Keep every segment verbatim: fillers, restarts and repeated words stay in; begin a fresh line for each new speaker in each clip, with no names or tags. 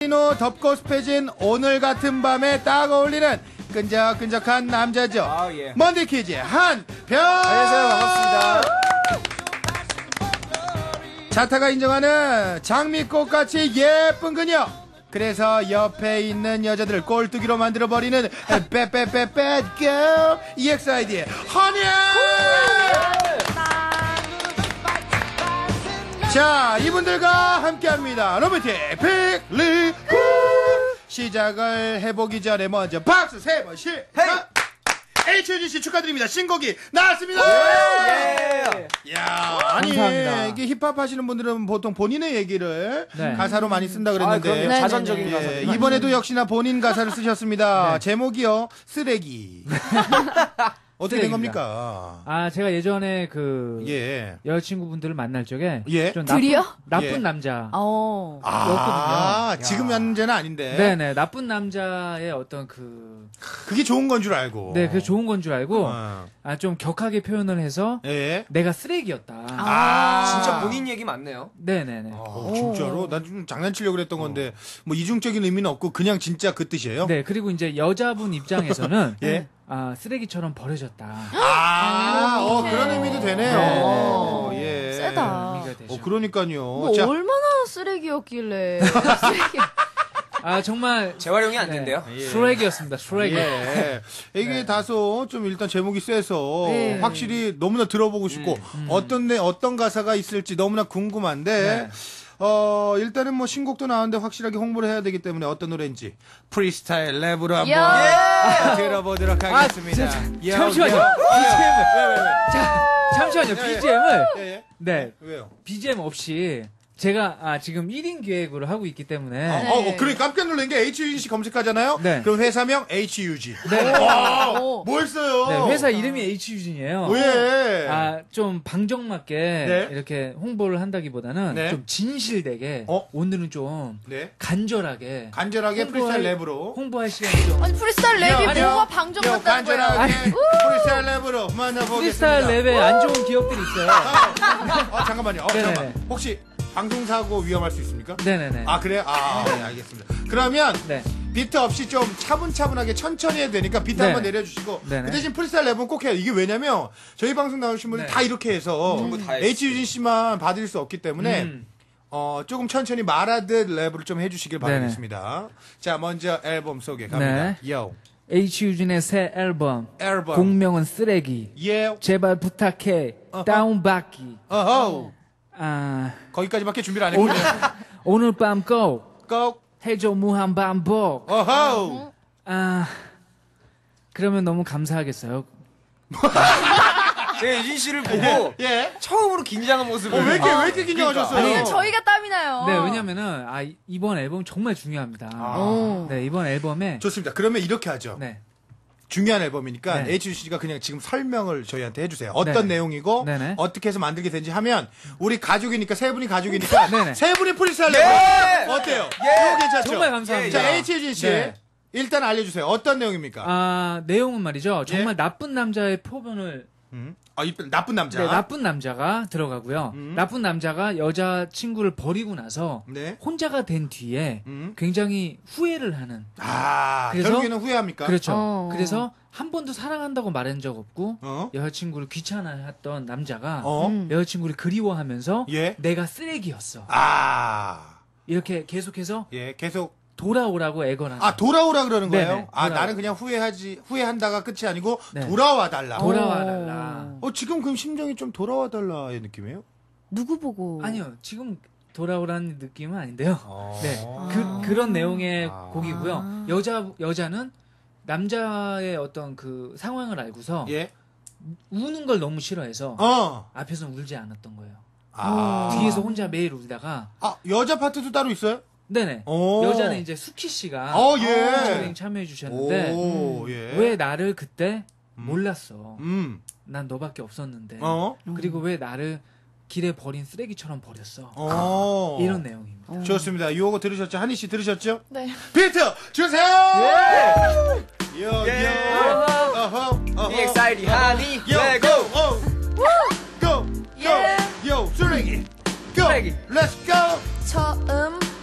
덥고 습해진 오늘 같은 밤에 딱 어울리는 끈적끈적한 남자죠.
아, 예.
먼데키즈의 한편.
안녕하세요, 반갑습니다.
자타가 인정하는 장미꽃같이 예쁜 그녀. 그래서 옆에 있는 여자들을 꼴뚜기로 만들어버리는 빼빼빼 배드걸 이엑스아이디의 허니. 자, 이분들과 함께합니다. 로맨틱 픽리 시작을 해보기 전에 먼저 박수 세 번 실. 에이치유지 씨 축하드립니다. 신곡이 나왔습니다.
예.
야, 아니
감사합니다.
이게 힙합 하시는 분들은 보통 본인의 얘기를
네.
가사로 많이 쓴다
아,
그랬는데
그럼요.
네,
자전적인
네,
가사.
예, 이번에도 역시나 본인 가사를 쓰셨습니다.
네.
제목이요 쓰레기. 어떻게 된
쓰레기입니다.
겁니까?
아, 제가 예전에 그
예.
여자친구분들을 만날 적에
예.
좀
둘이요?
나쁜, 나쁜
예.
남자.
어.
아,
였거든요.
지금 현재는 아닌데.
네네, 나쁜 남자의 어떤 그,
그게 좋은 건 줄 알고.
네, 그게 좋은 건 줄 알고,
어.
아, 좀 격하게 표현을 해서
예.
내가 쓰레기였다.
아,
진짜 본인 얘기 맞네요.
네네네.
어, 진짜로? 난 좀 장난치려고 그랬던 건데, 뭐, 이중적인 의미는 없고, 그냥 진짜 그 뜻이에요?
네, 그리고 이제 여자분 입장에서는,
예.
아, 쓰레기처럼 버려졌다.
아, 어, 그런 의미도 되네요.
네.
어, 예.
세다.
의미가 되죠.
어, 그러니까요.
뭐
자,
얼마나 쓰레기였길래. 쓰레기.
아, 정말.
재활용이 안
네.
된대요.
예.
쓰레기였습니다, 쓰레기.
예. 이게
네.
다소 좀 일단 제목이 세서
네.
확실히 너무나 들어보고 싶고
음.
어떤 내 어떤 가사가 있을지 너무나 궁금한데
네.
어 일단은 뭐 신곡도 나왔는데 확실하게 홍보를 해야 되기 때문에 어떤 노래인지 프리스타일 랩으로 한번
야!
들어보도록
아,
하겠습니다.
자,
요,
잠시만요.
요.
비지엠을.
왜, 왜, 왜?
자, 잠시만요.
예, 예.
비지엠을.
예, 예.
네.
왜요?
비지엠 없이 제가 아, 지금 일 인 기획으로 하고 있기 때문에.
어, 어, 그래 깜짝 놀란 게 에이치유지 검색하잖아요.
네.
그럼 회사명 에이치유지.
네.
와,
오.
뭘 써요?
네, 회사 이름이 에이치유진이에요.
왜?
아, 좀 방정맞게
네.
이렇게 홍보를 한다기보다는
네.
좀 진실되게
어?
오늘은 좀
네.
간절하게
간절하게
홍보할-
프리스타일 랩으로.
홍보할 시간이 좀
아니 프리스타일
야,
랩이
아니요.
뭐가 방정
요,
같다는 거야.
간절하게 프리스타일 랩으로 만나보겠습니다.
프리스타일 랩에 안 좋은 기업들이 있어요.
아, 잠깐만요. 어,
네네네.
잠깐만. 혹시 방송사고 위험할 수 있습니까?
네네네.
아, 그래요? 아, 네, 알겠습니다. 그러면
네.
비트 없이 좀 차분차분하게 천천히 해야 되니까 비트
네.
한번 내려주시고
네네.
그 대신 프리스타일 랩은 꼭 해요. 이게 왜냐면 저희 방송 나오신 분들
네.
다 이렇게 해서
전부 다 했어요.
에이치유진 씨만 받을 수 없기 때문에
음.
어, 조금 천천히 말하듯 랩을 좀 해주시길
네네.
바라겠습니다. 자, 먼저 앨범 소개 갑니다.
네.
요.
에이치유진의 새 앨범.
앨범.
공명은 쓰레기.
예.
제발 부탁해.
어허.
다운받기.
어허.
아,
거기까지밖에 준비를 안 했군요.
오늘 밤 꼭
고.
해줘 무한 반복.
어허.
아, 그러면 너무 감사하겠어요.
제가 유진 씨를 보고
예.
처음으로 긴장한 모습을.
어, 왜 이렇게, 왜 이렇게 긴장하셨어요?
아니,
그냥 저희가 땀이 나요.
네, 왜냐면은 아 이- 이번 앨범 정말 중요합니다.
오.
네, 이번 앨범에
좋습니다. 그러면 이렇게 하죠.
네.
중요한 앨범이니까
네.
에이치유지 씨가 그냥 지금 설명을 저희한테 해주세요. 어떤
네네.
내용이고
네네.
어떻게 해서 만들게 된지 하면 우리 가족이니까 세 분이 가족이니까
네네.
세 분이 프리스타일
네.
랩 어때요? 이거 괜찮죠?
정말 감사합니다.
자, 에이치유진 씨
네.
일단 알려주세요. 어떤 내용입니까?
아, 내용은 말이죠. 정말
예.
나쁜 남자의 표본을
음? 아, 이 나쁜 남자.
네, 나쁜 남자가 들어가고요.
음.
나쁜 남자가 여자 친구를 버리고 나서
네.
혼자가 된 뒤에
음.
굉장히 후회를 하는.
아,
그래서-
결국에는 후회합니까?
그렇죠.
어.
그래서 한 번도 사랑한다고 말한 적 없고
어?
여자친구를 귀찮아했던 남자가
어?
음.
여자친구를 그리워하면서
예.
내가 쓰레기였어.
아,
이렇게 계속해서
예, 계속.
돌아오라고 애걸하는.
아, 돌아오라 그러는 거예요?
네네,
아,
돌아오라.
나는 그냥 후회하지, 후회한다가 끝이 아니고
네.
돌아와 달라.
돌아와 달라.
어, 지금 그럼 심정이 좀 돌아와 달라의 느낌이에요?
누구 보고?
아니요, 지금 돌아오라는 느낌은 아닌데요.
어.
네,
아.
그 그런 내용의
아.
곡이고요.
아.
여자 여자는 남자의 어떤 그 상황을 알고서
예.
우는 걸 너무 싫어해서
어.
앞에서 울지 않았던 거예요.
아.
뒤에서 혼자 매일 울다가
아, 여자 파트도 따로 있어요?
네네.
오.
여자는 이제 수키 씨가
어, 예.
피처링 참여해 주셨는데
오, 예.
왜 나를 그때
음.
몰랐어.
음.
난 너밖에 없었는데.
어?
그리고 왜 나를 길에 버린 쓰레기처럼 버렸어.
어.
이런 내용입니다.
어.
좋습니다. 요거 들으셨죠? 한희 씨 들으셨죠?
네.
비트 주세요! 예! 요,
예.
요. 어허, 어허.
이엑스아이디 하니.
요,
네,
고!
고.
오. 고! 고!
예.
요, 쓰레기! 고!
쓰레기.
렛츠 고!
처음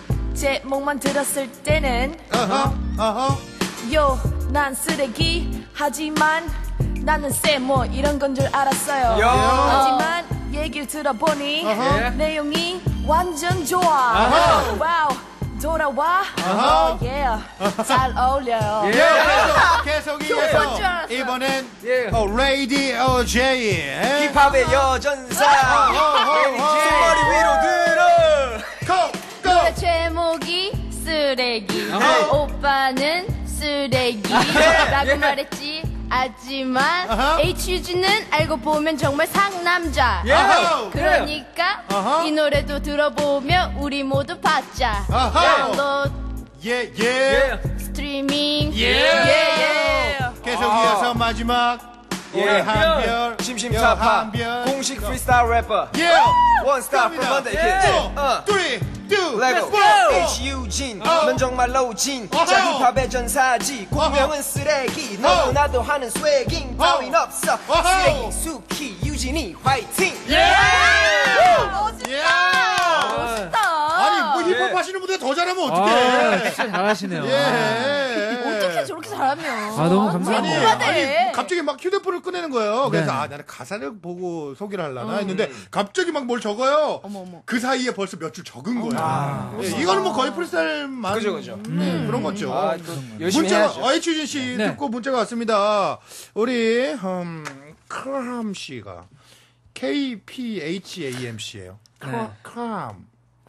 제목만 들었을 때는
어허, 어허.
요, 난 쓰레기 하지만 나는 쎄뭐 이런 건 줄 알았어요.
야.
하지만 얘기를 들어보니
어허.
내용이 완전 좋아.
아하.
와우, 돌아와.
아하.
예, 잘 어울려요.
예, 계속, 계속 이어서
좋은 줄 알았어요.
이번엔
예.
어, 레이디 제이
힙합의 여전사. 머리 위로 들어.
노래 제목이 쓰레기. 오빠는 쓰레기라고 말했지. 하지만
아하.
에이치유지는 알고 보면 정말 상남자.
아하.
그러니까
아하.
이 노래도 들어보면 우리 모두 받자.
아하.
다운로드,
예, 예.
스트리밍.
예.
예.
계속 이어서 마지막 우리
예.
한별
심심타파
한별
공식 프리스타일 래퍼
예.
원스타 from Monday Kids. 어.
three, two,
레고
one.
H-U-진
어.
넌 정말로 진
어허.
자 힙합의 전사지 공명은 쓰레기 너도
어.
나도 하는 스웨깅
어.
따윈 없어
어허.
쓰레기 수키 유진이 화이팅
예.
멋있다.
예.
멋있다.
아니 뭐 힙합
예.
하시는 분들 더 잘하면
아,
어떡해.
진짜 잘하시네요.
예.
어떻게 저렇게 잘하면?
아, 너무
아니,
감사합니다.
아니 갑자기 막 휴대폰을 꺼내는 거예요. 그래서
네.
아 나는 가사를 보고 소개를 하려나 했는데 갑자기 막 뭘 적어요.
어머, 어머.
그 사이에 벌써 몇 줄 적은 거예요. 예, 이거는 뭐 거의 프리스타일만
그죠, 그죠.
네, 그런 거죠.
아, 또 열심히
문자가
해야죠.
아이추진 씨
네.
듣고 문자가 왔습니다. 우리 음, 크람 씨가 K P H A M C예요.
네.
크람.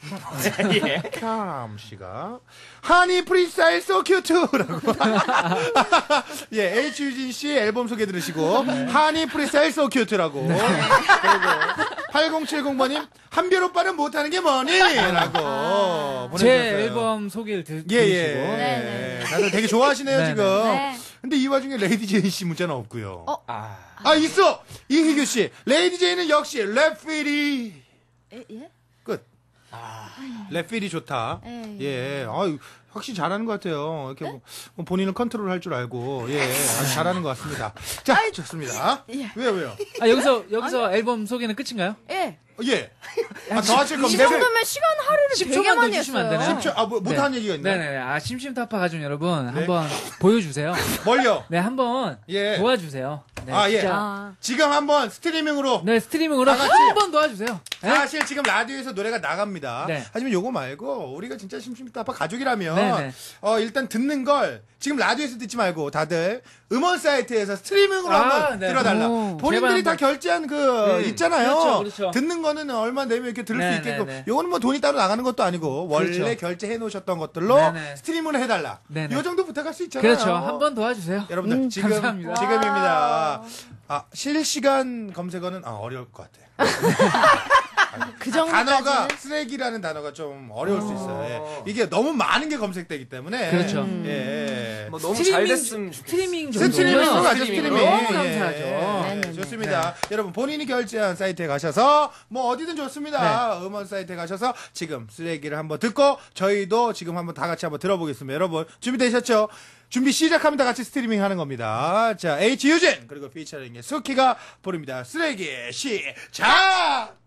크람 씨가 하니 프리스타일 소 큐트라고. 예, H유진 씨 앨범 소개 들으시고 하니 프리스타일 소 큐트라고. 그리고 팔공칠공 번님 한별 오빠는 못하는 게 뭐니? 라고 보내주셨어요.
제 앨범 소개를 드,
예, 예.
들으시고.
네,
다들 되게 좋아하시네요,
네,
지금.
네.
근데 이 와중에 레이디 제이 씨 문자는 없고요.
어?
아,
아, 있어! 이희규 씨. 레이디 제이는 역시 랩필이.
예? 예?
끝. 랩필이 좋다.
예.
예. 아유, 확실히 잘하는 것 같아요. 이렇게 뭐, 뭐 본인은 컨트롤 할 줄 알고. 예. 아주 잘하는 것 같습니다. 자, 좋습니다.
예.
왜요, 왜요?
아, 여기서, 여기서 앨범 소개는 끝인가요?
예.
예. 아, 더 하실
이
겁니다.
정도면 시간 할애를
십
되게
초만 더
많이
주시면 안
했어요.
되나요?
십 초, 아, 뭐, 못한 얘기가 있나요?
네네네. 아, 심심타파 가족 여러분, 한번 보여주세요.
뭘요?
네, 한번
예.
도와주세요. 네,
아, 예.
진짜.
아.
지금 한번 스트리밍으로.
네, 스트리밍으로
다 같이.
한번 도와주세요. 네?
사실 지금 라디오에서 노래가 나갑니다.
네.
하지만 요거 말고 우리가 진짜 심심타파 가족이라면
네네.
어 일단 듣는 걸 지금 라디오에서 듣지 말고 다들 음원 사이트에서 스트리밍으로
아,
한번
네.
들어달라.
오.
본인들이
제발
다 결제한 그
음.
있잖아요.
그렇죠, 그렇죠.
듣는 거는 얼마 내면 이렇게 들을
네,
수 있게끔.
네, 네.
요거는 뭐 돈이 따로 나가는 것도 아니고 원래
그렇죠.
결제해 놓으셨던 것들로
네, 네.
스트리밍을 해달라.
네, 네.
요 정도 부탁할 수 있잖아요.
그렇죠. 한번 도와주세요.
여러분들
음,
지금
감사합니다.
지금입니다. 아 실시간 검색어는 아, 어려울 것 같아.
그
단어가
정도까지는
쓰레기라는 단어가 좀 어려울 수 있어요. 예. 이게 너무 많은 게 검색되기 때문에.
그렇죠.
예.
뭐 너무 잘 됐으면 좋겠어.
스트리밍 정도.
스트리밍으로 가죠,
스트리밍으로.
스트리밍.
너무 감사하죠.
예,
네네네.
좋습니다. 여러분, 본인이 결제한 사이트에 가셔서, 뭐, 어디든 좋습니다. 음원 사이트에 가셔서 지금 쓰레기를 한번 듣고, 저희도 지금 한번 다 같이 한번 들어보겠습니다. 여러분, 준비되셨죠? 준비 시작하면 다 같이 스트리밍 하는 겁니다. 자, H 유진, 그리고 피처링의 수키가 부릅니다. 쓰레기 시작!